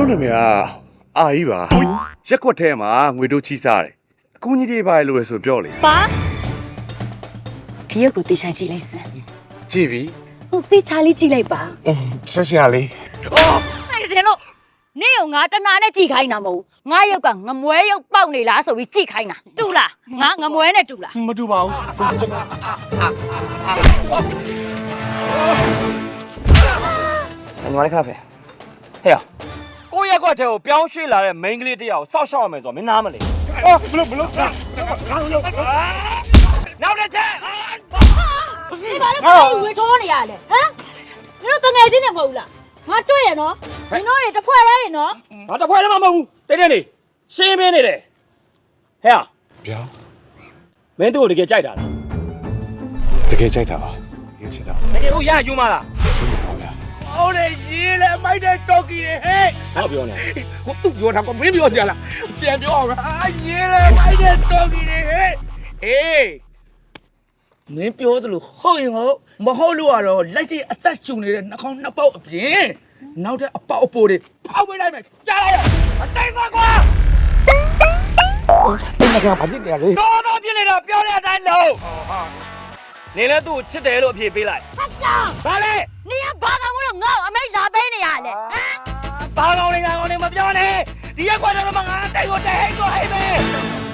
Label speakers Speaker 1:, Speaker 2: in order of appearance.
Speaker 1: နာမည်ကအာကြီးပါရက်ကွက်ထဲမှာငွေတို့ချီးစားတယ်အကူကြီးတွေပါလို့ဆိုပြောလေ
Speaker 2: ပါဒီရုပ်ကိုတေချာကြည့်လိုက်စမ်း
Speaker 1: ကြည့်ပြီ
Speaker 2: ဟုတ်တေချာလေးကြည့်လိုက်ပါ
Speaker 1: ဆက်ရှာလေး
Speaker 2: အဲ့ဒါလို့နေရောငါတနာနဲ့ကြည့်ခိုင်းတာမဟုတ်ငါရုပ်ကငမွဲရုပ်ပေါက်နေလားဆိုပြီးကြည့်ခိုင်းတာတူလားငါငမွဲနဲ့တူလား
Speaker 1: မတူပါဘူး
Speaker 3: ညီမလေးခါဖယ်ဟဲ့ကိုရက်ကွက်ထဲကိုပြောင်းရွှေ့လာတဲ့ main ကလေးတယောက်စောက်ရှောက်ရမယ်ဆိုတော့မင်းနားမလဲ
Speaker 1: ဘလို့နောက်
Speaker 3: နောက်တစ်ချက်
Speaker 2: ဒီဘာလဲကိုဝေထိုးနေရလဲဟမ်ဒီတော့ငယ်ချင်းနဲ့မဟုတ်လားငါတွေ့ရနော်ဒီတော့တွေတစ်ဖွဲ့တည်းနေနော်
Speaker 3: ငါတစ်ဖွဲလည်းမမဟုတ်ဘူးတိတ်တိတ်နေရှင်းမင်းနေတယ်ဟဲ့
Speaker 1: ဗျာ
Speaker 3: မင်းတို့ကိုတကယ်ကြိုက်တာလား
Speaker 1: တကယ်ကြိုက်တာပါတကယ်ချစ်တာ
Speaker 3: တကယ်ကိုရယူမလား
Speaker 1: ရှင်းပါဗျာ
Speaker 4: ဟုတ်တယ်ရေးလေမိုက်တဲ့တော်ကီတွေဟဲ့
Speaker 3: ဘာပြောနေ
Speaker 4: ကိုသူ့ပြောတာကမင်းပြောကြလားပြန်ပြောအောင်အာရေးလေမိုက်တဲ့တော်ကီတွေဟဲ့အေးမင်းပြောသလိုဟုတ်ရင်ဟုတ်မဟုတ်လို့ကတော့လက်ရှိအသက်ရှူနေတဲ့နှာခေါင်းနှစ်ပေါက်အပြင်နောက်တဲ့အပေါက်အပိုးတွေဖောက်ပေးလိုက်မယ်ကြားလိုက်ရအတိုင်းကွာကွာအဲ့ဒါကဘာဖြစ်နေရလဲ
Speaker 3: တော်တော်ပြစ်နေတာပြောတဲ့အတိုင်းလုံးနေလဲသူ့ကိုချစ်တယ်လို့အဖြေပေးလိုက်
Speaker 2: ဟာတာ
Speaker 3: ဘာလဲ
Speaker 2: နေကဘာကောင်လို့ငါ့အမိတ်လာပေးနေရလဲဟမ်
Speaker 3: ဘာကောင်းလဲငါကောင်းလဲမပြောနဲ့ဒီရက်ကွက်တော့မှငါတိုက်ကိုတိုက်ဟိတ်ကိုဟိတ်ပဲ